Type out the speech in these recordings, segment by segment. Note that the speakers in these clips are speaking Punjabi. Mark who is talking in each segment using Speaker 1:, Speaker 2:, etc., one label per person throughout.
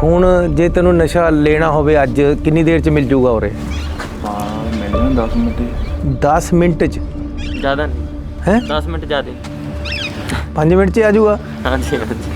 Speaker 1: ਹੁਣ ਜੇ ਤੈਨੂੰ ਨਸ਼ਾ ਲੈਣਾ ਹੋਵੇ ਅੱਜ ਕਿੰਨੀ ਦੇਰ ਚ ਮਿਲ ਜੂਗਾ ਉਰੇ?
Speaker 2: ਹਾਂ ਮਿਲ ਜਾਣਾ 10 ਮਿੰਟ
Speaker 1: 10 ਮਿੰਟ ਚ?
Speaker 3: ਜ਼ਿਆਦਾ ਨਹੀਂ
Speaker 1: ਹੈ
Speaker 3: 10 ਮਿੰਟ ਜ਼ਿਆਦਾ
Speaker 1: 5 ਮਿੰਟ ਚ ਆ ਜੂਗਾ?
Speaker 3: ਹਾਂਜੀ ਹਾਂਜੀ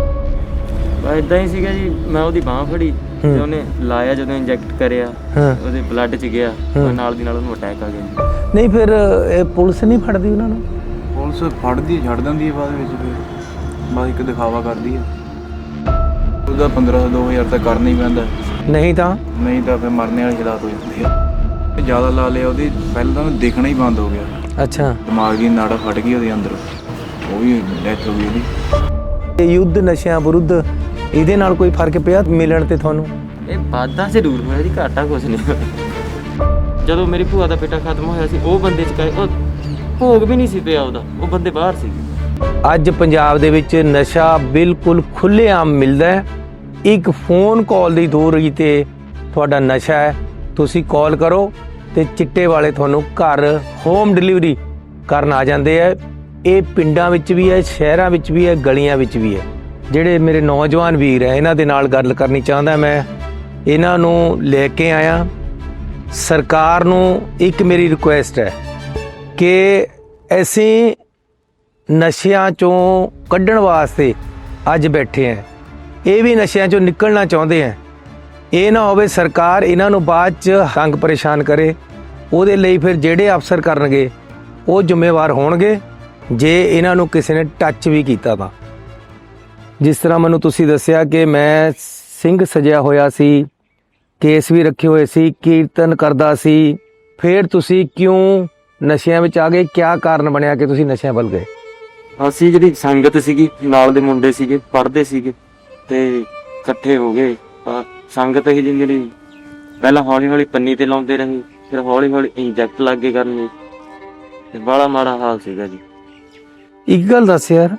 Speaker 3: ਬਸ ਇਦਾਂ ਹੀ ਸੀਗਾ ਜੀ। ਮੈਂ ਉਹਦੀ ਬਾਂਹ ਫੜੀ ਤੇ ਉਹਨੇ ਲਾਇਆ, ਜਦੋਂ ਇੰਜੈਕਟ ਕਰਿਆ
Speaker 1: ਹਾਂ।
Speaker 3: ਉਹਦੇ ਬਲੱਡ 'ਚ ਗਿਆ, ਨਾਲ ਦੀ ਨਾਲ ਉਹਨੂੰ ਅਟੈਕ ਆ ਗਿਆ।
Speaker 1: ਨਹੀਂ ਫਿਰ ਇਹ ਪੁਲਿਸ ਨਹੀਂ ਫੜਦੀ ਉਹਨਾਂ ਨੂੰ?
Speaker 2: ਪੁਲਿਸ ਫੜਦੀ ਛੱਡ ਦਿੰਦੀ ਹੈ ਬਾਅਦ ਵਿੱਚ, ਫਿਰ ਬਸ ਇੱਕ ਦਿਖਾਵਾ ਕਰਦੀ ਹੈ। ਉਹਦਾ 1500-2000 ਤਾਂ ਕਰਨਾ ਹੀ ਪੈਂਦਾ,
Speaker 1: ਨਹੀਂ ਤਾਂ
Speaker 2: ਫਿਰ ਮਰਨੇ ਵਾਲੀ ਹਾਲਾਤ ਹੋ ਜਾਂਦੀ ਹੈ। ਜ਼ਿਆਦਾ ਲਾ ਲਿਆ ਉਹਦੀ, ਪਹਿਲਾਂ ਤਾਂ ਉਹਨੂੰ ਦਿਖਣਾ ਹੀ ਬੰਦ ਹੋ ਗਿਆ।
Speaker 1: ਅੱਛਾ,
Speaker 2: ਦਿਮਾਗ ਦੀ ਨਾੜਾ ਫਟ ਗਈ ਉਹਦੇ ਅੰਦਰ, ਉਹ ਵੀ ਡੈਥ ਹੋ ਗਈ ਉਹਦੀ।
Speaker 1: ਇਹ ਯੁੱਧ ਨਸ਼ਿਆਂ ਵਿਰੁੱਧ ਇਹਦੇ ਨਾਲ ਕੋਈ ਫਰਕ ਪਿਆ ਮਿਲਣ ਤੇ ਤੁਹਾਨੂੰ?
Speaker 3: ਇਹ ਵਾਧਾ ਜ਼ਰੂਰ ਹੋਇਆ ਜੀ, ਘਾਟਾ ਕੁਛ ਨਹੀਂ ਹੋਇਆ। ਜਦੋਂ ਮੇਰੀ ਭੂਆ ਦਾ ਬੇਟਾ ਖਤਮ ਹੋਇਆ ਸੀ, ਉਹ ਬੰਦੇ 'ਚ ਉਹ ਭੋਗ ਵੀ ਨਹੀਂ ਸੀ ਪਿਆ ਉਹਦਾ, ਉਹ ਬੰਦੇ ਬਾਹਰ ਸੀ।
Speaker 1: ਅੱਜ ਪੰਜਾਬ ਦੇ ਵਿੱਚ ਨਸ਼ਾ ਬਿਲਕੁਲ ਖੁੱਲ੍ਹੇਆਮ ਮਿਲਦਾ ਹੈ। ਇੱਕ ਫੋਨ ਕਾਲ ਦੀ ਦੂਰੀ ਤੇ ਤੁਹਾਡਾ ਨਸ਼ਾ ਹੈ, ਤੁਸੀਂ ਕਾਲ ਕਰੋ ਤੇ ਚਿੱਟੇ ਵਾਲੇ ਤੁਹਾਨੂੰ ਘਰ ਹੋਮ ਡਿਲੀਵਰੀ ਕਰਨ ਆ ਜਾਂਦੇ ਹੈ। ਇਹ ਪਿੰਡਾਂ ਵਿੱਚ ਵੀ ਹੈ, ਸ਼ਹਿਰਾਂ ਵਿੱਚ ਵੀ ਹੈ, ਗਲੀਆਂ ਵਿੱਚ ਵੀ ਹੈ। ਜਿਹੜੇ ਮੇਰੇ ਨੌਜਵਾਨ ਵੀਰ ਹੈ, ਇਹਨਾਂ ਦੇ ਨਾਲ ਗੱਲ ਕਰਨੀ ਚਾਹੁੰਦਾ ਮੈਂ। ਇਹਨਾਂ ਨੂੰ ਲੈ ਕੇ ਆਇਆ। ਸਰਕਾਰ ਨੂੰ ਇੱਕ ਮੇਰੀ ਰਿਕੁਐਸਟ ਹੈ ਕਿ ਅਸੀਂ ਨਸ਼ਿਆਂ ਚੋਂ ਕੱਢਣ ਵਾਸਤੇ ਅੱਜ ਬੈਠੇ ਹਾਂ। ਇਹ ਵੀ ਨਸ਼ਿਆਂ ਚੋਂ ਨਿਕਲਣਾ ਚਾਹੁੰਦੇ ਹੈ। ਇਹ ਨਾ ਹੋਵੇ ਸਰਕਾਰ ਇਹਨਾਂ ਨੂੰ ਬਾਅਦ 'ਚ ਤੰਗ ਪਰੇਸ਼ਾਨ ਕਰੇ। ਉਹਦੇ ਲਈ ਫਿਰ ਜਿਹੜੇ ਅਫਸਰ ਕਰਨਗੇ ਉਹ ਜ਼ਿੰਮੇਵਾਰ ਹੋਣਗੇ ਜੇ ਇਹਨਾਂ ਨੂੰ ਕਿਸੇ ਨੇ ਟੱਚ ਵੀ ਕੀਤਾ ਤਾਂ। ਜਿਸ ਤਰ੍ਹਾਂ ਮੈਨੂੰ ਤੁਸੀਂ ਦੱਸਿਆ ਕਿ ਮੈਂ ਸਿੰਘ ਸਜਿਆ ਹੋਇਆ ਸੀ, ਕੇਸ ਵੀ ਰੱਖੇ ਹੋਏ ਸੀ, ਕੀਰਤਨ ਕਰਦਾ ਸੀ, ਫਿਰ ਤੁਸੀਂ ਕਿਉਂ ਨਸ਼ਿਆਂ ਵਿੱਚ ਆ ਗਏ? ਕਿਆ ਕਾਰਨ ਬਣਿਆ ਕਿ ਤੁਸੀਂ ਨਸ਼ਿਆਂ ਵੱਲ ਗਏ?
Speaker 3: ਅਸੀਂ ਜਿਹੜੀ ਸੰਗਤ ਸੀਗੀ, ਨਾਲ ਦੇ ਮੁੰਡੇ ਸੀਗੇ, ਪੜ੍ਹਦੇ ਸੀਗੇ ਤੇ ਇਕੱਠੇ ਹੋ ਗਏ। ਸੰਗਤ ਹੀ ਜਿਹੜੀ ਪਹਿਲਾਂ ਹੌਲੀ ਹੌਲੀ ਪੰਨੀ ਤੇ ਲਾਉਂਦੇ ਰਹੇ, ਫਿਰ ਹੌਲੀ ਹੌਲੀ ਇੰਜੈਕਟ ਲੱਗ ਗਏ ਕਰਨ, ਤੇ ਬੜਾ ਮਾੜਾ ਹਾਲ ਸੀਗਾ ਜੀ।
Speaker 1: ਇੱਕ ਗੱਲ ਦੱਸ ਯਾਰ,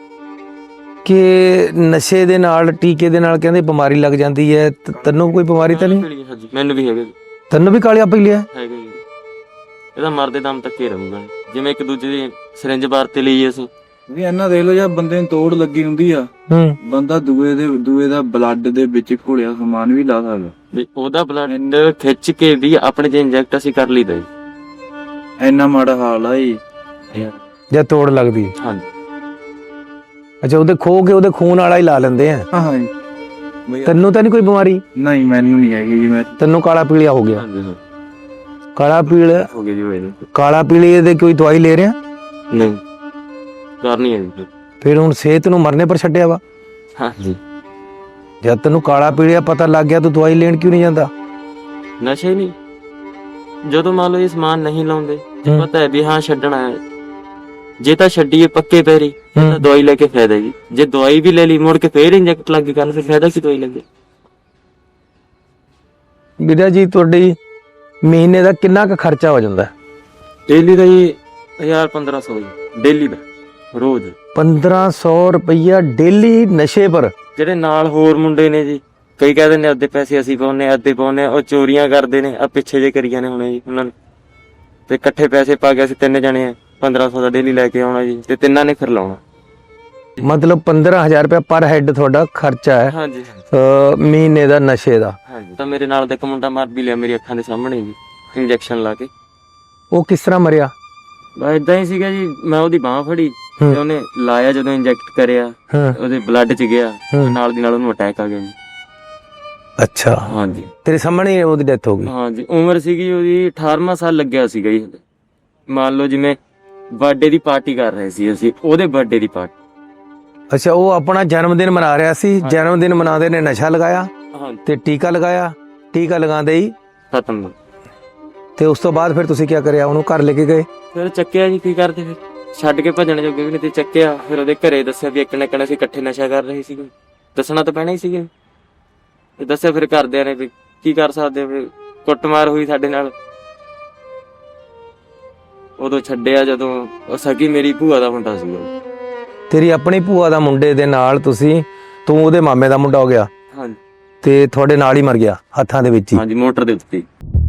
Speaker 1: ਕਿ ਨਸ਼ੇ ਦੇ ਨਾਲ, ਟੀਕੇ ਦੇ ਨਾਲ ਕਹਿੰਦੇ ਬਿਮਾਰੀ ਲੱਗ ਜਾਂਦੀ ਹੈ। ਤੈਨੂੰ ਕੋਈ ਬਿਮਾਰੀ ਤਾਂ ਨਹੀਂ?
Speaker 3: ਹਾਂਜੀ ਮੈਨੂੰ ਵੀ ਹੈਗਾ ਜੀ।
Speaker 1: ਤੈਨੂੰ ਵੀ ਕਾਲਿਆ ਪਈ ਲਿਆ?
Speaker 3: ਹੈਗਾ ਜੀ। ਇਹਦਾ ਮਰਦੇ ਦਮ ਤੱਕ ਹੀ ਰਹੂਗਾ, ਜਿਵੇਂ ਇੱਕ ਦੂਜੇ ਦੀ ਸਿਰਿੰਜ ਵਰਤੇ ਲਈ ਅਸੀਂ
Speaker 2: ਵੀ ਇਹਨਾਂ ਦੇਖ ਲਓ, ਜਾਂ ਬੰਦੇ ਨੂੰ ਤੋੜ ਲੱਗੀ ਹੁੰਦੀ ਆ, ਬੰਦਾ ਦੂਏ ਦਾ ਬਲੱਡ ਦੇ ਵਿੱਚ ਘੁਲਿਆ ਸਮਾਨ ਵੀ ਲਾ ਸਕਦਾ।
Speaker 3: ਵੀ ਉਹਦਾ ਬਲੱਡ ਖਿੱਚ ਕੇ ਵੀ ਆਪਣੇ ਜੇ ਇੰਜੈਕਟ ਅਸੀਂ ਕਰ ਲਈਦਾ ਜੀ।
Speaker 2: ਇੰਨਾ ਮਾੜਾ ਹਾਲ ਆ ਜੀ
Speaker 1: ਜਾਂ ਤੋੜ ਲੱਗਦੀ?
Speaker 3: ਹਾਂਜੀ।
Speaker 1: ਅੱਛਾ, ਉਹਦੇ ਖੋ ਕੇ ਉਹਦੇ ਖੂਨ ਵਾਲਾ ਹੀ ਲਾ ਲੈਂਦੇ ਆ।
Speaker 2: ਹਾਂ ਜੀ।
Speaker 1: ਤੈਨੂੰ ਤਾਂ ਨਹੀਂ ਕੋਈ ਬਿਮਾਰੀ?
Speaker 2: ਨਹੀਂ ਮੈਨੂੰ ਨਹੀਂ ਹੈਗੀ ਜੀ। ਮੈਂ
Speaker 1: ਤੈਨੂੰ ਕਾਲਾ ਪੀਲੀਆ ਹੋ ਗਿਆ?
Speaker 3: ਹਾਂਜੀ
Speaker 1: ਕਾਲਾ ਪੀਲੀਆ
Speaker 3: ਹੋ ਗਿਆ ਜੀ। ਹੋਏ
Speaker 1: ਕਾਲਾ ਪੀਲੀਏ ਦੇ ਕੋਈ ਦਵਾਈ ਲੈ ਰਿਹਾ?
Speaker 3: ਨਹੀਂ ਕਰਨੀ ਹੈ ਜੀ।
Speaker 1: ਫਿਰ ਹੁਣ ਸਿਹਤ ਨੂੰ ਮਰਨੇ ਪਰ ਛੱਡਿਆ ਵਾ?
Speaker 3: ਹਾਂਜੀ।
Speaker 1: ਜਦ ਤੈਨੂੰ ਕਾਲਾ ਪੀਲੀਆ ਪਤਾ ਲੱਗ ਗਿਆ ਤੂੰ ਦਵਾਈ ਲੈਣ ਕਿਉਂ ਨਹੀਂ ਜਾਂਦਾ?
Speaker 3: ਨਸ਼ਾ ਨਹੀਂ, ਜਦੋਂ ਮੰਨ ਲਓ ਇਹ ਸਮਾਨ ਨਹੀਂ ਲਾਉਂਦੇ, ਪਤਾ ਹੈ ਵੀ ਹਾਂ ਛੱਡਣਾ ਹੈ, ਜੇ ਤਾਂ ਛੱਡੀਏ ਪੱਕੇ ਪੈਰੀ ਤਾਂ ਦਵਾਈ ਲੈ ਕੇ ਫਾਇਦਾ ਜੀ। ਜੇ ਦਵਾਈ ਵੀ ਲੈ ਲਈ ਮੁੜ ਕੇ ਫੇਰ ਇੰਜੈਕਟ ਲੱਗ ਕੇ ਕਰਨ, ਫਿਰ ਫਾਇਦਾ ਕੀ ਦਵਾਈ ਲੱਗੇ?
Speaker 1: ਵੀਰਾ ਜੀ, ਤੁਹਾਡੀ ਮਹੀਨੇ ਦਾ ਕਿੰਨਾ ਕੁ ਖਰਚਾ ਹੋ ਜਾਂਦਾ?
Speaker 3: ਡੇਲੀ ਦਾ ਜੀ 1500 ਜੀ, ਡੇਲੀ ਦਾ, ਰੋਜ਼
Speaker 1: 1500 ਰੁਪਈਆ ਡੇਲੀ ਨਸ਼ੇ ਪਰ?
Speaker 3: ਜਿਹੜੇ ਨਾਲ ਹੋਰ ਮੁੰਡੇ ਨੇ ਜੀ, ਕਈ ਕਹਿੰਦੇ ਨੇ ਅੱਧੇ ਪੈਸੇ ਅਸੀਂ ਪਾਉਨੇ, ਅੱਧੇ ਪਾਉਨੇ, ਉਹ ਚੋਰੀਆਂ ਕਰਦੇ ਨੇ। ਆ ਪਿੱਛੇ ਜੇ ਕਰੀਆਂ ਨੇ ਹੁਣੇ ਜੀ ਉਹਨਾਂ ਨੇ, ਤੇ ਇਕੱਠੇ ਪੈਸੇ ਪਾ ਕੇ ਅਸੀਂ 3 ਜਣੇ ਆ, 1500 ਦਾ ਡੇਲੀ ਲੈ ਕੇ ਆਉਣਾ ਜੀ, ਤੇ ਤਿੰਨਾਂ ਨੇ ਫਿਰ ਲਾਉਣਾ।
Speaker 1: ਮਤਲਬ 15000 ਰੁਪਇਆ ਪਰ ਹੈਡ ਤੁਹਾਡਾ ਖਰਚਾ ਹੈ?
Speaker 3: ਹਾਂਜੀ
Speaker 1: ਮਹੀਨੇ ਦਾ ਨਸ਼ੇ ਦਾ?
Speaker 3: ਹਾਂਜੀ। ਤਾਂ ਮੇਰੇ ਨਾਲ ਦਾ ਇੱਕ ਮੁੰਡਾ ਮਰ ਵੀ ਲਿਆ ਮੇਰੀ ਅੱਖਾਂ ਦੇ ਸਾਹਮਣੇ ਜੀ, ਇੰਜੈਕਸ਼ਨ ਲਾ ਕੇ।
Speaker 1: ਉਹ ਕਿਸ ਤਰ੍ਹਾਂ ਮਰਿਆ?
Speaker 3: ਬਸ ਏਦਾਂ ਹੀ ਸੀਗਾ ਜੀ। ਮੈਂ ਉਹਦੀ ਬਾਂਹ ਫੜੀ ਤੇ ਉਹਨੇ ਲਾਇਆ, ਜਦੋਂ ਇੰਜੈਕਟ ਕਰਿਆ ਉਹਦੇ ਬਲੱਡ 'ਚ ਗਿਆ, ਨਾਲ ਦੀ ਨਾਲ ਉਹਨੂੰ ਅਟੈਕ ਆ ਗਿਆ ਜੀ।
Speaker 1: ਅੱਛਾ।
Speaker 3: ਹਾਂਜੀ।
Speaker 1: ਤੇਰੇ ਸਾਹਮਣੇ ਉਹਦੀ ਡੈਥ ਹੋ ਗਈ?
Speaker 3: ਹਾਂਜੀ। ਉਮਰ ਸੀਗੀ ਉਹਦੀ 18ਵਾਂ ਸਾਲ ਲੱਗਿਆ ਸੀਗਾ ਜੀ। ਮੰਨ ਲਓ ਜਿਵੇਂ ਬਰਥਡੇ ਦੀ ਪਾਰਟੀ ਕਰ ਰਹੇ ਸੀ ਅਸੀਂ, ਉਹਦੇ ਬਰਥਡੇ ਦੀ ਪਾਰਟੀ।
Speaker 1: ਅੱਛਾ, ਉਹ ਆਪਣਾ ਜਨਮ ਦਿਨ ਮਨਾ ਰਿਹਾ ਸੀ। ਜਨਮ ਦਿਨ ਮਨਾਉਂਦੇ ਨੇ ਨਸ਼ਾ ਲਗਾਇਆ ਤੇ ਟੀਕਾ ਲਗਾਇਆ, ਟੀਕਾ ਲਗਾਉਂਦੇ ਹੀ
Speaker 3: ਖਤਮ।
Speaker 1: ਤੇ ਉਸ ਤੋਂ ਬਾਅਦ ਫਿਰ ਤੁਸੀਂ ਕੀ ਕਰਿਆ? ਉਹਨੂੰ ਘਰ ਲੈ ਕੇ ਗਏ?
Speaker 3: ਫਿਰ ਚੱਕਿਆ ਜੀ, ਕੀ ਕਰਦੇ ਫਿਰ, ਛੱਡ ਕੇ ਭੱਜਣ ਜੋਗੇ ਵੀ ਨਹੀਂ ਤੇ ਚੱਕਿਆ। ਫਿਰ ਉਹਦੇ ਘਰੇ ਦੱਸਿਆ ਵੀ ਇੱਕ ਨਾ ਇੱਕ ਅਸੀਂ ਇਕੱਠੇ ਨਸ਼ਾ ਕਰ ਰਹੇ ਸੀਗੇ, ਦੱਸਣਾ ਤਾਂ ਪੈਣਾ ਹੀ ਸੀਗਾ। ਤੇ ਦੱਸਿਆ ਫਿਰ ਘਰਦਿਆਂ ਨੇ ਵੀ ਕੀ ਕਰ ਸਕਦੇ, ਫਿਰ ਕੁੱਟਮਾਰ ਹੋਈ ਸਾਡੇ ਨਾਲ। ਉਦੋਂ ਛੱਡਿਆ ਜਦੋਂ ਉਹ ਸਕੀ ਮੇਰੀ ਭੂਆ ਦਾ ਮੁੰਡਾ ਸੀਗਾ।
Speaker 1: ਤੇਰੀ ਆਪਣੀ ਭੂਆ ਦਾ ਮੁੰਡੇ ਦੇ ਨਾਲ ਤੂੰ ਉਹਦੇ ਮਾਮੇ ਦਾ ਮੁੰਡਾ ਹੋ ਗਿਆ?
Speaker 3: ਹਾਂਜੀ।
Speaker 1: ਤੇ ਤੁਹਾਡੇ ਨਾਲ ਹੀ ਮਰ ਗਿਆ ਹੱਥਾਂ ਦੇ ਵਿੱਚ ਹੀ?
Speaker 3: ਹਾਂਜੀ, ਮੋਟਰ ਦੇ ਉੱਤੇ।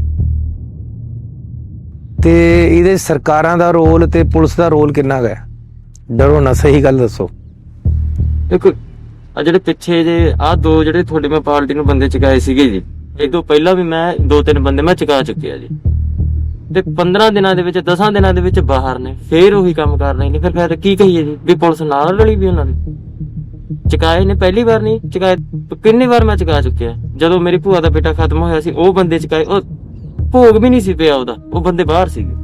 Speaker 1: ਤੇ ਇਹਦੇ ਸਰਕਾਰਾਂ ਦਾ ਰੋਲ ਤੇ ਪੁਲਿਸ ਦਾ ਰੋਲ ਕਿੰਨਾ ਹੈ? ਡਰੋ ਨਾ, ਸਹੀ ਗੱਲ ਦੱਸੋ।
Speaker 3: ਦੇਖੋ ਆ ਜਿਹੜੇ ਪਿੱਛੇ ਜੇ ਆ ਦੋ ਜਿਹੜੇ ਤੁਹਾਡੇ ਮੈਂ ਪਾਰਟੀ ਨੂੰ ਬੰਦੇ ਚੁਕਾਏ ਸੀਗੇ ਜੀ, ਇਹ ਤੋਂ ਪਹਿਲਾਂ ਵੀ ਮੈਂ 2-3 ਬੰਦੇ ਮੈਂ ਚੁਕਾ ਚੁੱਕਿਆ ਜੀ, ਤੇ 15 ਦਿਨਾਂ ਦੇ ਵਿੱਚ 10 ਦਿਨਾਂ ਦੇ ਵਿੱਚ ਬਾਹਰ ਨੇ, ਫੇਰ ਉਹੀ ਕੰਮ ਕਰ ਰਹੇ ਨੇ। ਫਿਰ ਕੀ ਕਹੀਏ ਜੀ ਵੀ ਪੁਲਿਸ ਨਾਲ ਰਲੀ ਵੀ ਉਹਨਾਂ ਦੀ। ਚੁਕਾਏ ਨੇ, ਪਹਿਲੀ ਵਾਰ ਨਹੀਂ ਚੁਕਾਏ, ਕਿੰਨੀ ਵਾਰ ਮੈਂ ਚੁਕਾ ਚੁੱਕਿਆ। ਜਦੋਂ ਮੇਰੀ ਭੂਆ ਦਾ ਬੇਟਾ ਖਤਮ ਹੋਇਆ ਸੀ ਉਹ ਬੰਦੇ ਚੁਕਾਏ, ਉਹ ਭੋਗ ਵੀ ਨਹੀਂ ਸੀ ਪਿਆ ਉਹਦਾ, ਉਹ ਬੰਦੇ ਬਾਹਰ ਸੀਗੇ।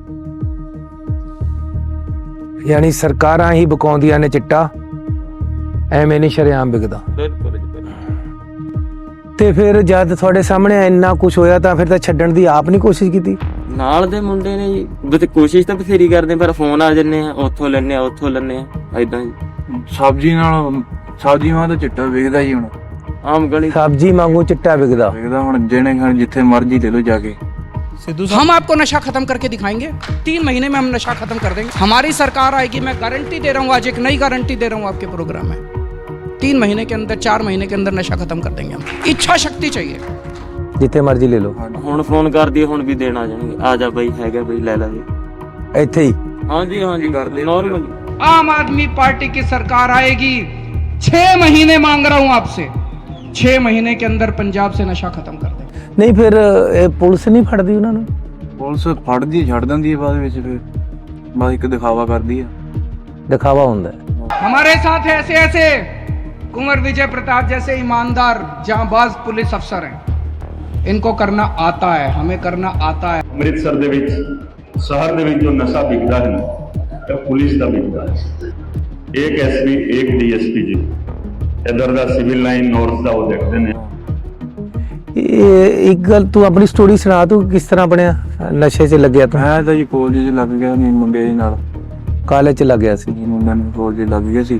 Speaker 1: ਯਾਨੀ ਸਰਕਾਰਾਂ ਹੀ ਬਕਾਉਂਦੀਆਂ ਨੇ ਚਿੱਟਾ, ਐਵੇਂ ਨਹੀਂ ਸ਼ਰੇਆਮ ਵਿਕਦਾ।
Speaker 3: ਬਿਲਕੁਲ ਜੀ।
Speaker 1: ਤੇ ਫਿਰ ਜਦ ਤੁਹਾਡੇ ਸਾਹਮਣੇ ਇੰਨਾ ਕੁਝ ਹੋਇਆ ਤਾਂ ਫਿਰ ਤਾਂ ਛੱਡਣ ਦੀ ਆਪ ਨਹੀਂ ਕੋਸ਼ਿਸ਼ ਕੀਤੀ?
Speaker 3: ਨਾਲ ਦੇ ਮੁੰਡੇ ਨੇ ਜੀ, ਤੇ ਕੋਸ਼ਿਸ਼ ਤਾਂ ਬਥੇਰੀ ਕਰਦੇ, ਪਰ ਫੋਨ ਆ ਜੰਨੇ ਆ, ਉੱਥੋਂ ਲੈਣੇ ਆ ਉੱਥੋਂ ਲੈਣੇ ਆ, ਏਦਾਂ ਜੀ।
Speaker 2: ਸਬਜ਼ੀ ਵਾਂ ਤਾਂ ਚਿੱਟਾ ਵਿਕਦਾ ਹੀ ਹੁਣ,
Speaker 3: ਆਮ ਗਲੀ
Speaker 1: ਸਬਜ਼ੀ ਵਾਂਗੂ ਚਿੱਟਾ ਵਿਕਦਾ
Speaker 2: ਹੁਣ ਜਿਹਨੇ ਖਾਣ ਜਿੱਥੇ ਮਰਜ਼ੀ ਲੈ ਲਓ ਜਾ ਕੇ।
Speaker 4: हम आपको नशा खत्म करके दिखाएंगे, 3 महीने में हम नशा खत्म कर देंगे। हमारी सरकार आएगी, मैं गारंटी दे रहा हूँ, आज एक नई गारंटी दे रहा हूँ आपके प्रोग्राम में। 3 महीने के अंदर, 4 महीने के अंदर नशा खत्म कर देंगे हम। इच्छा शक्ति चाहिए,
Speaker 1: ਜਿੱਥੇ ਮਰਜ਼ੀ ਲੈ ਲਓ।
Speaker 3: ਹੁਣ ਫੋਨ ਕਰਦੀ ਹੁਣ ਵੀ ਦੇਣ ਆ ਜਾਣਗੇ, ਆ ਜਾ ਬਈ ਹੈਗਾ ਬਈ ਲੈ ਲੈ ਜੀ।
Speaker 1: ਇੱਥੇ ਹੀ
Speaker 3: ਹਾਂਜੀ ਹਾਂਜੀ ਕਰਦੇ ਨॉर्मल।
Speaker 4: आम आदमी पार्टी की सरकार आएगी, 6 महीने मांग रहा हूँ आपसे, 6 महीने के अंदर पंजाब से नशा खत्म कर देंगे।
Speaker 1: ਨਹੀਂ ਫਿਰ ਇਹ ਪੁਲਿਸ ਨਹੀਂ ਫੜਦੀ ਉਹਨਾਂ ਨੂੰ?
Speaker 2: ਪੁਲਿਸ ਫੜਦੀ ਛੱਡ ਦਿੰਦੀ ਹੈ ਬਾਅਦ ਵਿੱਚ, ਫਿਰ ਬਸ ਇੱਕ ਦਿਖਾਵਾ ਕਰਦੀ ਹੈ।
Speaker 1: ਦਿਖਾਵਾ ਹੁੰਦਾ ਹੈ।
Speaker 4: हमारे साथ ऐसे ऐसे कुंवर विजय प्रताप जैसे ईमानदार जांबाज पुलिस अफसर हैं, इनको करना आता है, हमें करना आता है।
Speaker 5: ਅੰਮ੍ਰਿਤਸਰ ਦੇ ਵਿੱਚ ਸ਼ਹਿਰ ਦੇ ਵਿੱਚ ਜੋ ਨਸ਼ਾ ਵਿਕਦਾ ਹੈ ਨਾ, ਇਹ ਪੁਲਿਸ ਦਾ ਵਿਕਦਾ ਹੈ। ਇੱਕ ਐਸਪੀ ਇੱਕ ਡੀਐਸਪੀ ਜੀ ਇਧਰ ਦਾ ਸਿਵਲ ਲਾਈਨ ਨਾਰਥ ਦਾ ਉਹ ਦੇਖਦੇ ਨੇ।
Speaker 1: ਇਹ ਇੱਕ ਗੱਲ ਤੂੰ ਆਪਣੀ ਸਟੋਰੀ ਸੁਣਾ, ਤੂੰ ਕਿਸ ਤਰ੍ਹਾਂ ਬਣਿਆ ਨਸ਼ੇ 'ਚ ਲੱਗਿਆ ਤੂੰ?
Speaker 2: ਮੈਂ ਤਾਂ ਜੀ ਕਾਲਜ 'ਚ ਲੱਗ ਗਿਆ ਨਹੀਂ, ਮੁੰਡੇ ਦੇ ਨਾਲ
Speaker 1: ਕਾਲਜ 'ਚ ਲੱਗ ਗਿਆ ਸੀ?
Speaker 2: ਮੁੰਡਿਆਂ ਨੂੰ ਕਾਲਜ 'ਚ ਲੱਗ ਗਿਆ ਸੀ।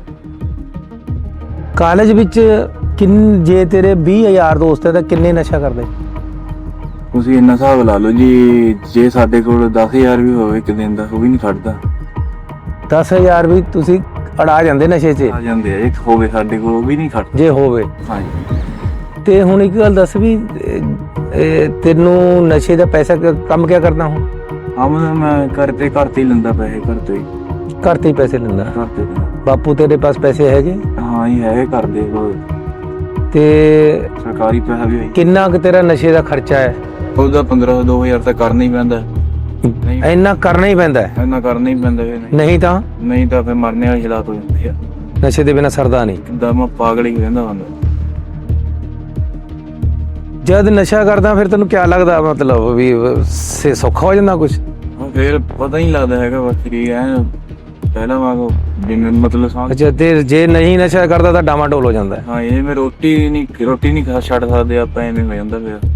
Speaker 1: ਕਾਲਜ ਵਿੱਚ ਜੇ ਤੇਰੇ 20,000 ਦੋਸਤ ਹੈ ਤਾਂ ਕਿੰਨੇ ਨਸ਼ਾ ਕਰਦੇ?
Speaker 2: ਤੁਸੀਂ ਇੰਨਾ ਹਿਸਾਬ ਲਾ ਲਓ ਜੀ, ਜੇ ਸਾਡੇ ਕੋਲ 10,000 ਵੀ ਹੋਵੇ ਇੱਕ ਦਿਨ ਦਾ, ਉਹ ਵੀ ਨਹੀਂ ਖੜਦਾ।
Speaker 1: 10,000 ਵੀ ਤੁਸੀਂ ਅੜਾ ਜਾਂਦੇ ਨਸ਼ੇ 'ਚ?
Speaker 2: ਆ ਜਾਂਦੇ ਆ, ਇੱਕ ਹੋਵੇ ਸਾਡੇ ਕੋਲ, ਉਹ ਵੀ ਨਹੀਂ ਖੜਦਾ
Speaker 1: ਜੇ ਹੋਵੇ।
Speaker 2: ਹਾਂਜੀ।
Speaker 1: ਤੇ ਹੁਣ ਇੱਕ ਗੱਲ ਦੱਸ ਵੀ ਤੈਨੂੰ ਨਸ਼ੇ ਦਾ ਪੈਸਾ ਕੰਮ ਕਿਆ ਕਰਦਾ ਹੁਣ?
Speaker 2: ਮੈਂ ਘਰ ਤੇ ਹੀ ਲੈਂਦਾ ਪੈਸੇ, ਘਰ ਤੋਂ ਹੀ
Speaker 1: ਘਰ ਤੇ ਹੀ ਪੈਸੇ ਲੈਂਦਾ?
Speaker 2: ਘਰ ਤੇ।
Speaker 1: ਬਾਪੂ ਤੇਰੇ ਪਾਸ ਪੈਸੇ ਹੈਗੇ?
Speaker 2: ਹਾਂ ਹੀ ਹੈ, ਘਰ ਦੇ ਕੋਲ
Speaker 1: ਤੇ
Speaker 2: ਸਰਕਾਰੀ ਪੈਸਾ ਵੀ ਹੋਈ।
Speaker 1: ਕਿੰਨਾ ਕੁ ਤੇਰਾ ਨਸ਼ੇ ਦਾ ਖਰਚਾ ਹੈ?
Speaker 2: ਉਹਦਾ 1500-2000 ਤਾਂ ਕਰਨਾ ਹੀ ਪੈਂਦਾ।
Speaker 1: ਇੰਨਾ ਕਰਨਾ ਹੀ ਪੈਂਦਾ ਹੈ?
Speaker 2: ਇੰਨਾ ਕਰਨਾ ਹੀ ਪੈਂਦਾ,
Speaker 1: ਨਹੀਂ ਤਾਂ
Speaker 2: ਫਿਰ ਮਰਨੇ ਵਾਲੀ ਹਾਲਾਤ ਹੋ ਜਾਂਦੀ ਆ।
Speaker 1: ਨਸ਼ੇ ਦੇ ਬਿਨਾਂ ਸਰਦਾ ਨਹੀਂ।
Speaker 2: ਕਿੱਦਾਂ ਮੈਂ ਪਾਗਲ ਹੀ ਰਹਿੰਦਾ ਬੰਦਾ।
Speaker 1: ਜਦ ਨਸ਼ਾ ਕਰਦਾ ਫਿਰ ਤੈਨੂੰ ਕਿਆ ਲੱਗਦਾ, ਮਤਲਬ ਵੀ ਸੌਖਾ ਹੋ ਜਾਂਦਾ ਕੁਝ?
Speaker 2: ਫਿਰ ਪਤਾ ਹੀ ਲੱਗਦਾ ਹੈਗਾ, ਬਸ ਸਰੀਰ ਐ ਪਹਿਲਾਂ ਵਾਂਗੂ ਜਿਵੇਂ ਮਤਲਬ
Speaker 1: ਅੱਛਾ, ਤੇ ਜੇ ਨਹੀਂ ਨਸ਼ਾ ਕਰਦਾ ਤਾਂ ਡਾਮਾਡੋਲ ਹੋ ਜਾਂਦਾ?
Speaker 2: ਹਾਂ, ਇਹ ਮੈਂ ਰੋਟੀ ਨਹੀਂ ਖਾ ਛੱਡ ਸਕਦੇ ਆਪਾਂ, ਐਵੇਂ ਹੋ ਜਾਂਦਾ ਫਿਰ।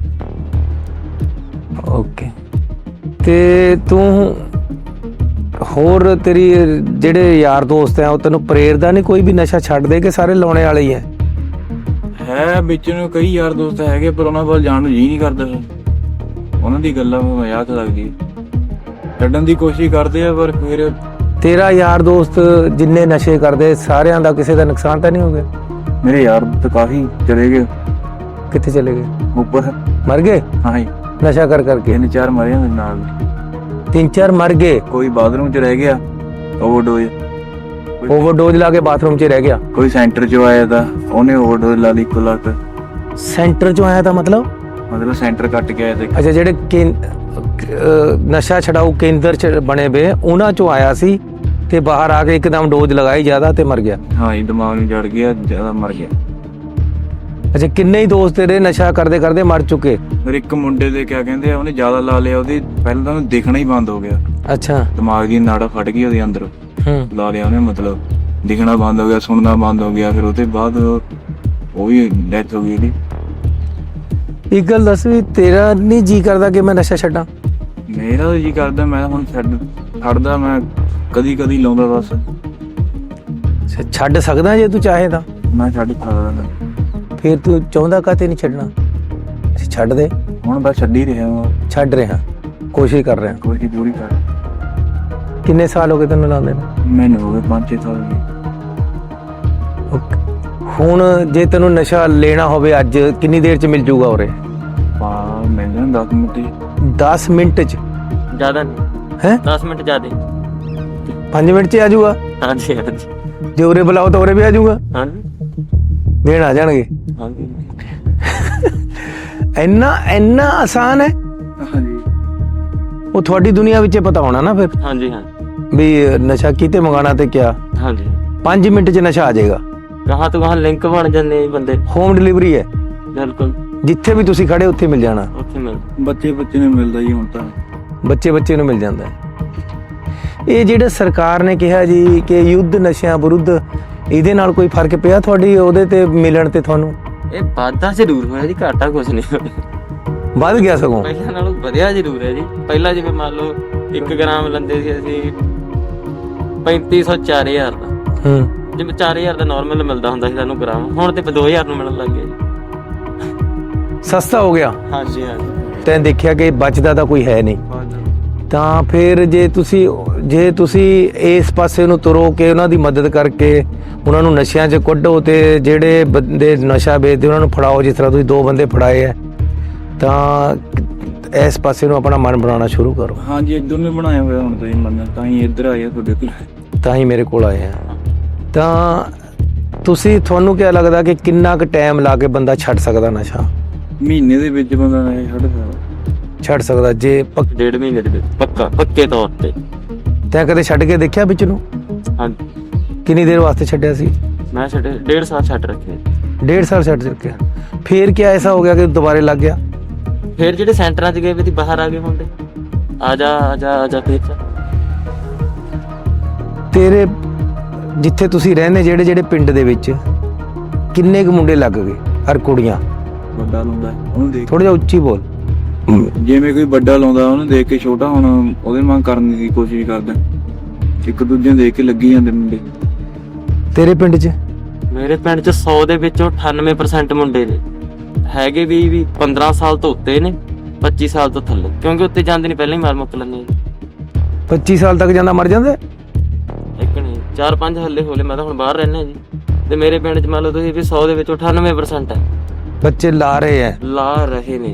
Speaker 1: ਓਕੇ। ਤੇ ਤੂੰ ਹੋਰ ਤੇਰੀ ਜਿਹੜੇ ਯਾਰ ਦੋਸਤ ਆ ਉਹ ਤੈਨੂੰ ਪ੍ਰੇਰਦਾ ਨਹੀਂ ਕੋਈ ਵੀ ਨਸ਼ਾ ਛੱਡ ਦੇ, ਕਿ ਸਾਰੇ ਲਾਉਣੇ ਵਾਲੇ ਹੀ ਹੈ
Speaker 2: ਵਿੱਚ ਨੂੰ ਕਈ ਯਾਰ ਦੋਸਤ ਹੈਗੇ, ਪਰ ਉਹਨਾਂ ਵੱਲ ਜਾਣ ਨੂੰ ਜੀ ਨਹੀਂ ਕਰਦਾ। ਉਹਨਾਂ ਦੀ ਗੱਲਾਂ ਮਜ਼ਾਕ ਲੱਗਦੀ, ਛੱਡਣ ਦੀ ਕੋਸ਼ਿਸ਼ ਕਰਦੇ ਆ, ਪਰ ਫਿਰ
Speaker 1: ਤੇਰਾ ਯਾਰ ਦੋਸਤ ਜਿੰਨੇ ਨਸ਼ੇ ਕਰਦੇ ਸਾਰਿਆਂ ਦਾ ਕਿਸੇ ਦਾ ਨੁਕਸਾਨ ਤਾਂ ਨਹੀਂ ਹੋ ਗਿਆ?
Speaker 2: ਮੇਰੇ ਯਾਰ ਤਾਂ ਕਾਫੀ ਚਲੇ ਗਏ।
Speaker 1: ਕਿੱਥੇ ਚਲੇ ਗਏ?
Speaker 2: ਉੱਪਰ
Speaker 1: ਮਰ ਗਏ?
Speaker 2: ਹਾਂ ਜੀ,
Speaker 1: ਨਸ਼ਾ ਕਰਕੇ?
Speaker 2: 3-4 ਮਰੇ ਮੇਰੇ ਨਾਲ।
Speaker 1: 3-4 ਮਰ ਗਏ?
Speaker 2: ਕੋਈ ਬਾਥਰੂਮ 'ਚ ਰਹਿ ਗਿਆ,
Speaker 1: ਓਵਰਡੋਜ਼ ਲਾ ਕੇ ਬਾਥਰੂਮ 'ਚ ਰਹਿ ਗਿਆ।
Speaker 2: ਕੋਈ ਸੈਂਟਰ 'ਚੋਂ ਆਇਆ ਤਾਂ ਉਹਨੇ ਓਵਰਡੋਜ਼ ਲਾ ਲਈ 1 ਲੱਖ।
Speaker 1: ਸੈਂਟਰ 'ਚੋਂ ਆਇਆ ਤਾਂ ਮਤਲਬ
Speaker 2: ਸੈਂਟਰ ਕੱਟ ਕੇ ਆਇਆ ਤੇ।
Speaker 1: ਅੱਛਾ, ਜਿਹੜੇ ਨਸ਼ਾ ਛਡਾਊ ਕੇਂਦਰ 'ਚ ਬਣੇ ਵੇ ਉਹਨਾਂ 'ਚੋਂ ਆਇਆ ਸੀ ਤੇ ਬਾਹਰ ਆ ਕੇ ਇੱਕਦਮ ਡੋਜ਼ ਲਗਾਈ ਜ਼ਿਆਦਾ ਤੇ ਮਰ ਗਿਆ।
Speaker 2: ਹਾਂ ਜੀ, ਦਿਮਾਗ ਨੂੰ ਜੜ ਗਿਆ, ਜ਼ਿਆਦਾ ਮਰ ਗਿਆ।
Speaker 1: ਅੱਛਾ, ਕਿੰਨੇ ਹੀ ਦੋਸਤ ਤੇਰੇ ਨਸ਼ਾ ਕਰਦੇ ਕਰਦੇ ਮਰ ਚੁੱਕੇ?
Speaker 2: ਫਿਰ ਇੱਕ ਮੁੰਡੇ ਦੇ ਕਿਆ ਕਹਿੰਦੇ ਆ, ਉਹਨੇ ਜ਼ਿਆਦਾ ਲਾ ਲਿਆ, ਉਹਦੀ ਪਹਿਲਾਂ ਤਾਂ ਉਹਨੂੰ ਦਿਖਣਾ ਹੀ ਬੰਦ ਹੋ ਗਿਆ।
Speaker 1: ਅੱਛਾ,
Speaker 2: ਦਿਮਾਗ ਦੀ ਨਾੜਾ ਫਟ ਗਈ ਉਹਦੇ ਅੰਦਰ। ਲਾ ਲਿਆ ਉਹਨੇ, ਮਤਲਬ ਦਿਖਣਾ ਬੰਦ ਹੋ ਗਿਆ, ਸੁਣਨਾ ਬੰਦ ਹੋ ਗਿਆ। ਫਿਰ ਉਹਦੇ ਬਾਅਦ ਉਹ ਵੀ ਡੈਥ ਹੋ ਗਈ ਉਹਦੀ।
Speaker 1: ਇੱਕ ਗੱਲ ਦੱਸ ਵੀ ਤੇਰਾ ਨਹੀਂ ਜੀ ਕਰਦਾ ਕਿ ਮੈਂ ਨਸ਼ਾ ਛੱਡਾਂ?
Speaker 2: ਮੇਰਾ ਤਾਂ ਜੀ ਕਰਦਾ, ਮੈਂ ਹੁਣ ਛੱਡਦਾ, ਮੈਂ ਕਦੀ ਲਾਉਂਦਾ ਬਸ।
Speaker 1: ਛੱਡ ਸਕਦਾ ਜੇ ਤੂੰ ਚਾਹੇ ਤਾਂ?
Speaker 2: ਮੈਂ ਛੱਡ ਸਕਦਾ।
Speaker 1: ਫਿਰ ਤੂੰ ਚਾਹੁੰਦਾ ਕਾਤੇ ਨਹੀਂ ਛੱਡਣਾ? ਛੱਡ ਦੇ
Speaker 2: ਹੁਣ ਬਸ ਛੱਡ ਹੀ ਰਿਹਾ।
Speaker 1: ਛੱਡ ਰਿਹਾ, ਕੋਸ਼ਿਸ਼ ਕਰ ਰਿਹਾ।
Speaker 2: ਕੋਸ਼ਿਸ਼ ਪੂਰੀ ਕਰ।
Speaker 1: ਕਿੰਨੇ ਸਾਲ ਹੋ ਗਏ ਤੈਨੂੰ ਲਾਉਂਦੇ ਨੂੰ?
Speaker 2: ਮੈਨੂੰ ਹੋ ਗਏ 5-6 ਸਾਲ।
Speaker 1: ਹੁਣ ਜੇ ਤੈਨੂੰ ਨਸ਼ਾ ਲੈਣਾ ਹੋਵੇ ਅੱਜ ਕਿੰਨੀ ਦੇਰ 'ਚ ਮਿਲ ਜੂਗਾ ਉਰੇ?
Speaker 2: ਮਿਲ ਜਾਣਾ 10 ਮਿੰਟ 'ਚ।
Speaker 1: 10 ਮਿੰਟ 'ਚ?
Speaker 3: ਜ਼ਿਆਦਾ ਨਹੀਂ
Speaker 1: ਹੈ?
Speaker 3: 10 ਮਿੰਟ ਜ਼ਿਆਦਾ।
Speaker 1: 5 ਮਿੰਟ 'ਚ ਆ ਜਾਊਗਾ?
Speaker 3: ਹਾਂਜੀ ਹਾਂਜੀ।
Speaker 1: ਜੇ ਉਰੇ ਬੁਲਾਓ ਤਾਂ ਉਰੇ ਵੀ ਆ ਜਾਊਗਾ?
Speaker 3: ਹਾਂਜੀ।
Speaker 1: ਦੇਣ ਆ ਜਾਣਗੇ।
Speaker 3: ਹਾਂਜੀ
Speaker 1: ਇੰਨਾ ਆਸਾਨ ਹੈ।
Speaker 2: ਹਾਂਜੀ
Speaker 1: ਉਹ ਤੁਹਾਡੀ ਦੁਨੀਆ ਵਿੱਚ ਪਤਾ ਹੋਣਾ ਨਾ ਫਿਰ
Speaker 3: ਹਾਂਜੀ ਹਾਂ
Speaker 1: ਵੀ ਨਸ਼ਾ ਕਿਤੇ ਮੰਗਾਣਾ ਤੇ ਕਿਆ।
Speaker 3: ਹਾਂਜੀ
Speaker 1: 5 ਮਿੰਟ 'ਚ ਨਸ਼ਾ ਆ ਜਾਏਗਾ।
Speaker 3: ਗਾਹਾਂ ਤੋਂ ਗਾਹਾਂ ਲਿੰਕ ਬਣ ਜਾਂਦੇ ਜੀ ਬੰਦੇ।
Speaker 1: ਹੋਮ ਡਿਲੀਵਰੀ ਹੈ,
Speaker 3: ਬਿਲਕੁਲ
Speaker 1: ਜਿੱਥੇ ਵੀ ਤੁਸੀਂ ਖੜੇ ਉੱਥੇ ਮਿਲ ਜਾਣਾ।
Speaker 3: ਉੱਥੇ ਮਿਲ
Speaker 2: ਬੱਚੇ ਨੂੰ ਮਿਲਦਾ ਜੀ ਹੁਣ ਤਾਂ।
Speaker 1: ਬੱਚੇ ਨੂੰ ਮਿਲ ਜਾਂਦਾ ਹੈ। ਇਹ ਜਿਹੜਾ ਸਰਕਾਰ ਨੇ ਕਿਹਾ ਜੀ ਕਿ ਯੁੱਧ ਨਸ਼ਿਆਂ ਵਿਰੁੱਧ, ਇਹਦੇ ਨਾਲ ਕੋਈ ਫਰਕ ਪਿਆ ਤੁਹਾਡੀ ਉਹਦੇ ਤੇ ਮਿਲਣ ਤੇ ਤੁਹਾਨੂੰ?
Speaker 3: ਇਹ ਵਾਧਾ ਜ਼ਰੂਰ ਹੋਇਆ ਜੀ, ਘਾਟਾ ਕੁਛ ਨਹੀਂ ਹੋਇਆ।
Speaker 1: ਵੱਧ ਗਿਆ ਸਗੋਂ।
Speaker 3: ਪਹਿਲਾਂ ਨਾਲੋਂ ਵਧਿਆ ਜ਼ਰੂਰ ਹੈ ਜੀ। ਪਹਿਲਾਂ ਜਿਵੇਂ ਮੰਨ ਲਓ 1 ਗ੍ਰਾਮ ਲੈਂਦੇ ਸੀ ਅਸੀਂ 3500 4000 ਦਾ, ਜਿਵੇਂ 4000 ਦਾ ਨਾਰਮਲ ਮਿਲਦਾ ਹੁੰਦਾ ਸੀ ਸਾਨੂੰ ਗ੍ਰਾਮ, ਹੁਣ ਤੇ 2000 ਨੂੰ ਮਿਲਣ ਲੱਗ ਗਿਆ ਜੀ।
Speaker 1: ਸਸਤਾ ਹੋ ਗਿਆ।
Speaker 3: ਹਾਂਜੀ ਹਾਂਜੀ
Speaker 1: ਤੈਂ ਦੇਖਿਆ ਕਿ ਬਚਦਾ ਤਾਂ ਕੋਈ ਹੈ ਨਹੀਂ, ਤਾਂ ਫਿਰ ਜੇ ਤੁਸੀਂ ਇਸ ਪਾਸੇ ਨੂੰ ਤੁਰੋ ਕਿ ਉਹਨਾਂ ਦੀ ਮਦਦ ਕਰਕੇ ਉਹਨਾਂ ਨੂੰ ਨਸ਼ਿਆਂ 'ਚ ਕੱਢੋ ਤੇ ਜਿਹੜੇ ਬੰਦੇ ਨਸ਼ਾ ਵੇਚਦੇ ਉਹਨਾਂ ਨੂੰ ਫੜਾਓ, ਜਿਸ ਤਰ੍ਹਾਂ ਤੁਸੀਂ 2 ਬੰਦੇ ਫੜਾਏ ਹੈ, ਤਾਂ ਇਸ ਪਾਸੇ ਨੂੰ ਆਪਣਾ ਮਨ ਬਣਾਉਣਾ ਸ਼ੁਰੂ ਕਰੋ।
Speaker 2: ਹਾਂਜੀ ਇੱਧਰ ਨੂੰ ਬਣਾਇਆ ਹੋਇਆ ਹੁਣ ਤੁਸੀਂ ਮੰਨਣਾ, ਤਾਂ ਹੀ ਇੱਧਰ ਆਏ ਆ ਤੁਹਾਡੇ ਕੋਲ।
Speaker 1: ਤਾਂ ਹੀ ਮੇਰੇ ਕੋਲ ਆਏ ਆ। ਤਾਂ ਤੁਹਾਨੂੰ ਕੀ ਲੱਗਦਾ ਕਿ ਕਿੰਨਾ ਕੁ ਟਾਈਮ ਲਾ ਕੇ ਬੰਦਾ ਛੱਡ ਸਕਦਾ ਨਸ਼ਾ?
Speaker 2: ਮਹੀਨੇ ਦੇ ਵਿੱਚ ਬੰਦਾ ਨਸ਼ਾ
Speaker 1: ਛੱਡ ਸਕਦਾ ਜੇ
Speaker 3: 1.5 ਮਹੀਨੇ ਦੇ ਵਿੱਚ ਪੱਕੇ ਤੌਰ ਤੇ।
Speaker 1: ਤੈਂ ਕਦੇ ਛੱਡ ਕੇ ਦੇਖਿਆ ਵਿੱਚ ਨੂੰ?
Speaker 3: ਹਾਂਜੀ
Speaker 1: ਕਿੰਨੀ ਦੇਰ ਵਾਸਤੇ ਛੱਡਿਆ ਸੀ?
Speaker 3: ਮੈਂ 1.5 ਸਾਲ ਛੱਡ ਰੱਖਿਆ।
Speaker 1: 1.5 ਸਾਲ ਛੱਡ ਰੱਖਿਆ। ਫਿਰ ਕੀ ਐਸਾ ਹੋ ਗਿਆ ਕਿ ਦੁਬਾਰੇ ਲੱਗ ਗਿਆ?
Speaker 3: ਫਿਰ ਜਿਹੜੇ ਸੈਂਟਰਾਂ 'ਚ ਗਏ ਵੀ ਬਾਹਰ ਆ ਗਏ ਮੁੰਡੇ, ਆ ਜਾ ਫਿਰ
Speaker 1: ਤੇਰੇ ਜਿੱਥੇ ਤੁਸੀਂ ਰਹਿੰਦੇ ਜਿਹੜੇ ਪਿੰਡ ਦੇ ਵਿੱਚ ਕਿੰਨੇ ਕੁ ਮੁੰਡੇ ਲੱਗ ਗਏ ਔਰ ਕੁੜੀਆਂ?
Speaker 2: ਵੱਡਾ ਲਾਉਂਦਾ ਉਹਨੂੰ ਦੇਖ,
Speaker 1: ਥੋੜਾ ਜਿਹਾ ਉੱਚੀ ਬੋਲ।
Speaker 2: ਜਿਵੇਂ ਕੋਈ ਵੱਡਾ ਲਾਉਂਦਾ ਉਹਨੂੰ ਦੇਖ ਕੇ ਛੋਟਾ ਹੁਣ ਉਹਦੇ ਵਾਂਗ ਕਰਨ ਦੀ ਕੋਸ਼ਿਸ਼ ਕਰਦਾ। ਇੱਕ ਦੂਜੇ ਨੂੰ ਦੇਖ ਕੇ ਲੱਗੀ ਜਾਂਦੇ ਮੁੰਡੇ।
Speaker 1: ਤੇਰੇ ਪਿੰਡ 'ਚ?
Speaker 3: ਮੇਰੇ ਪਿੰਡ 'ਚ 100 ਦੇ ਵਿੱਚੋਂ 98% ਮੁੰਡੇ ਨੇ ਹੈਗੇ ਵੀ 15 ਸਾਲ ਤੋਂ ਉੱਤੇ ਨੇ, 25 ਸਾਲ ਤੋਂ ਥੱਲੇ, ਕਿਉਂਕਿ ਉੱਤੇ ਜਾਂਦੇ ਨਹੀਂ, ਪਹਿਲਾਂ ਹੀ ਮਾਰ ਮੁੱਕ ਲੈਂਦੇ।
Speaker 1: 25 ਸਾਲ ਤੱਕ ਜਾਂਦਾ ਮਰ ਜਾਂਦਾ?
Speaker 3: ਇੱਕ ਨਹੀਂ 4-5 ਹੱਲੇ ਹੋਲੇ। ਮੈਂ ਤਾਂ ਹੁਣ ਬਾਹਰ ਰਹਿਣਾ ਜੀ, ਤੇ ਮੇਰੇ ਪਿੰਡ 'ਚ ਮੰਨ ਲਓ ਤੁਸੀਂ ਵੀ 100 ਦੇ ਵਿੱਚੋਂ 98% ਹੈ
Speaker 1: ਬੱਚੇ ਲਾ ਰਹੇ
Speaker 3: ਨੇ।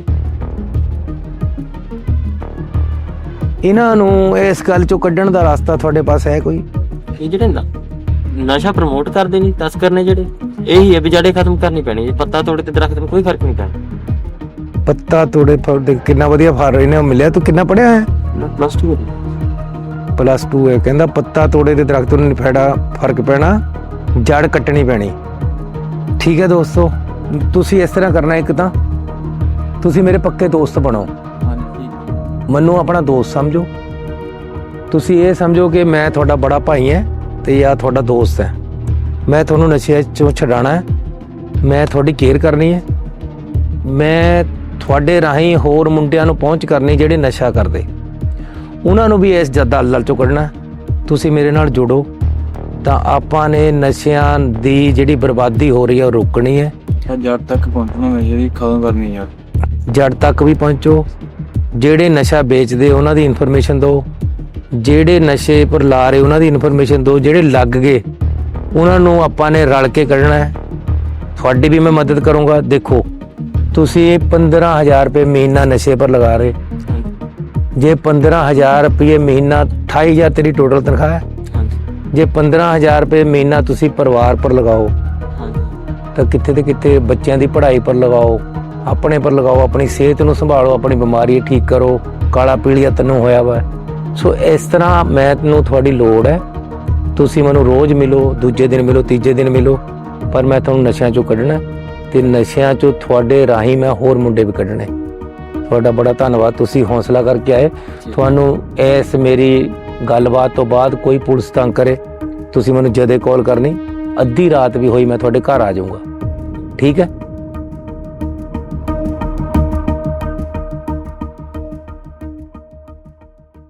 Speaker 1: ਇਹਨਾਂ ਨੂੰ ਇਸ ਗੱਲ ਚੋਂ ਕੱਢਣ ਦਾ ਰਸਤਾ ਤੁਹਾਡੇ ਪਾਸ ਹੈ ਕੋਈ?
Speaker 3: ਇਹ ਜਿਹੜੇ ਨਸ਼ਾ ਪ੍ਰਮੋਟ ਕਰਦੇ ਨੇ ਤਸਕਰ ਨੇ ਜਿਹੜੇ, ਇਹੀ ਹੈ ਵੀ ਜੜੇ ਖਤਮ ਕਰਨੀ ਪੈਣੀ। ਪੱਤਾ ਤੋੜੇ ਤੇ ਦਰਖਤ ਨੂੰ ਕੋਈ ਫਰਕ ਨਹੀਂ ਪੈਣਾ।
Speaker 1: ਪੱਤਾ ਤੋੜੇ ਕਿੰਨਾ ਵਧੀਆ ਫਲ ਰਹੇ ਨੇ। ਮਿਲਿਆ ਤੂੰ ਕਿੰਨਾ ਪੜਿਆ ਹੈ?
Speaker 3: +2
Speaker 1: +2 ਹੈ। ਕਹਿੰਦਾ ਪੱਤਾ ਤੋੜੇ ਤੇ ਦਰਖਤ ਨੂੰ ਨਹੀਂ ਫਰਕ ਪੈਣਾ, ਜੜ ਕੱਟਣੀ ਪੈਣੀ। ਠੀਕ ਹੈ ਦੋਸਤੋ, ਤੁਸੀਂ ਇਸ ਤਰ੍ਹਾਂ ਕਰਨਾ। ਇੱਕ ਤਾਂ ਤੁਸੀਂ ਮੇਰੇ ਪੱਕੇ ਦੋਸਤ ਬਣੋ, ਮੈਨੂੰ ਆਪਣਾ ਦੋਸਤ ਸਮਝੋ। ਤੁਸੀਂ ਇਹ ਸਮਝੋ ਕਿ ਮੈਂ ਤੁਹਾਡਾ ਬੜਾ ਭਾਈ ਹਾਂ ਤੇ ਜਾਂ ਤੁਹਾਡਾ ਦੋਸਤ ਹੈ। ਮੈਂ ਤੁਹਾਨੂੰ ਨਸ਼ੇ ਚੋਂ ਛਡਾਉਣਾ ਹੈ, ਮੈਂ ਤੁਹਾਡੀ ਕੇਅਰ ਕਰਨੀ ਹੈ, ਮੈਂ ਤੁਹਾਡੇ ਰਾਹੀਂ ਹੋਰ ਮੁੰਡਿਆਂ ਨੂੰ ਪਹੁੰਚ ਕਰਨੀ ਜਿਹੜੇ ਨਸ਼ਾ ਕਰਦੇ, ਉਹਨਾਂ ਨੂੰ ਵੀ ਇਸ ਦਲਦਲ ਚੋਂ ਕੱਢਣਾ। ਤੁਸੀਂ ਮੇਰੇ ਨਾਲ ਜੁੜੋ ਤਾਂ ਆਪਾਂ ਨੇ ਨਸ਼ਿਆਂ ਦੀ ਜਿਹੜੀ ਬਰਬਾਦੀ ਹੋ ਰਹੀ ਹੈ ਉਹ ਰੋਕਣੀ ਹੈ।
Speaker 2: ਜੜ ਤੱਕ ਪਹੁੰਚਣਾ, ਨਸ਼ੇ ਦੀ ਖਤਮ ਕਰਨੀ ਹੈ।
Speaker 1: ਜੜ ਤੱਕ ਵੀ ਪਹੁੰਚੋ। ਜਿਹੜੇ ਨਸ਼ਾ ਵੇਚਦੇ ਉਹਨਾਂ ਦੀ ਇਨਫੋਰਮੇਸ਼ਨ ਦਿਓ, ਜਿਹੜੇ ਨਸ਼ੇ ਪਰ ਲਾ ਰਹੇ ਉਹਨਾਂ ਦੀ ਇਨਫੋਰਮੇਸ਼ਨ ਦਿਓ, ਜਿਹੜੇ ਲੱਗ ਗਏ ਉਹਨਾਂ ਨੂੰ ਆਪਾਂ ਨੇ ਰਲ ਕੇ ਕੱਢਣਾ ਹੈ। ਤੁਹਾਡੀ ਵੀ ਮੈਂ ਮਦਦ ਕਰੂੰਗਾ। ਦੇਖੋ ਤੁਸੀਂ 15,000 ਰੁਪਏ ਮਹੀਨਾ ਨਸ਼ੇ ਪਰ ਲਗਾ ਰਹੇ, ਜੇ 15,000 ਰੁਪਏ ਮਹੀਨਾ 28,000 ਤੇਰੀ ਟੋਟਲ ਤਨਖਾਹ ਹੈ। ਜੇ 15,000 ਰੁਪਏ ਮਹੀਨਾ ਤੁਸੀਂ ਪਰਿਵਾਰ ਪਰ ਲਗਾਓ ਤਾਂ ਕਿੱਥੇ ਤੇ ਕਿੱਥੇ ਬੱਚਿਆਂ ਦੀ ਪੜ੍ਹਾਈ ਪਰ ਲਗਾਓ, ਆਪਣੇ ਪਰ ਲਗਾਓ, ਆਪਣੀ ਸਿਹਤ ਨੂੰ ਸੰਭਾਲੋ, ਆਪਣੀ ਬਿਮਾਰੀ ਠੀਕ ਕਰੋ। ਕਾਲਾ ਪੀਲੀਆ ਤੈਨੂੰ ਹੋਇਆ ਵਾ। ਸੋ ਇਸ ਤਰ੍ਹਾਂ ਮੈਨੂੰ ਤੁਹਾਡੀ ਲੋੜ ਹੈ। ਤੁਸੀਂ ਮੈਨੂੰ ਰੋਜ਼ ਮਿਲੋ, ਦੂਜੇ ਦਿਨ ਮਿਲੋ, ਤੀਜੇ ਦਿਨ ਮਿਲੋ, ਪਰ ਮੈਂ ਤੁਹਾਨੂੰ ਨਸ਼ਿਆਂ ਚੋਂ ਕੱਢਣਾ ਤੇ ਨਸ਼ਿਆਂ ਚੋਂ ਤੁਹਾਡੇ ਰਾਹੀਂ ਮੈਂ ਹੋਰ ਮੁੰਡੇ ਵੀ ਕੱਢਣੇ। ਤੁਹਾਡਾ ਬੜਾ ਧੰਨਵਾਦ, ਤੁਸੀਂ ਹੌਸਲਾ ਕਰਕੇ ਆਏ। ਤੁਹਾਨੂੰ ਇਸ ਮੇਰੀ ਗੱਲਬਾਤ ਤੋਂ ਬਾਅਦ ਕੋਈ ਪੁਲਿਸ ਤੰਗ ਕਰੇ, ਤੁਸੀਂ ਮੈਨੂੰ ਜਦੇ ਕਾਲ ਕਰਨੀ। ਅੱਧੀ ਰਾਤ ਵੀ ਹੋਈ ਮੈਂ ਤੁਹਾਡੇ ਘਰ ਆ ਜਾਊਂਗਾ। ਠੀਕ ਹੈ?